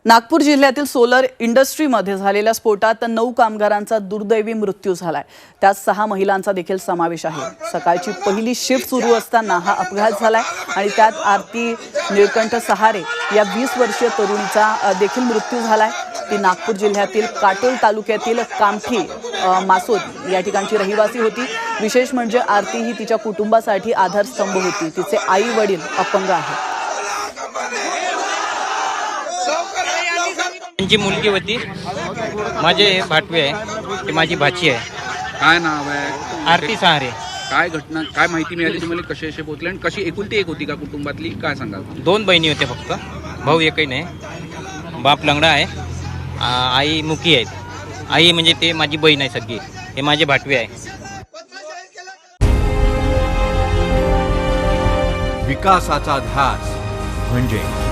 नागपूर जिल्ह्यातील सोलर इंडस्ट्रीमध्ये झालेल्या स्फोटात 9 कामगारांचा दुर्दैवी मृत्यू झालाय। त्यात 6 महिलांचा देखील समावेश आहे। सकाळची पहिली शिफ्ट सुरू असताना हा अपघात झालाय आणि त्यात आरती निळकंठ सहारे या 20 वर्षीय तरुणीचा देखील मृत्यू झालाय। ती नागपूर जिल्ह्यातील काटोल तालुक्यातील कामठी मासोद या ठिकाणची रहिवासी होती। विशेष म्हणजे आरती ही तिच्या कुटुंबासाठी आधारस्तंभ होती। तिचे आई वडील अपंग आहेत। त्यांची मुलगी होती, माझे भाटवे आहे, ती माझी भाची आहे। काय नाव आहे? आरती सहारे। काय घटना, काय माहिती मिळाली तुम्हाला? कसे असे पोहोचले आणि कशी एकुलती एक होती का कुटुंबातली? काय सांगाल? 2 बहिणी होते फक्त, भाऊ एकही नाही। बाप लंगडा आहे, आई मुकी आहेत। आई म्हणजे ते माझी बहीण आहे सगळी, हे माझे भाटवे आहे। विकासाचा ध्यास म्हणजे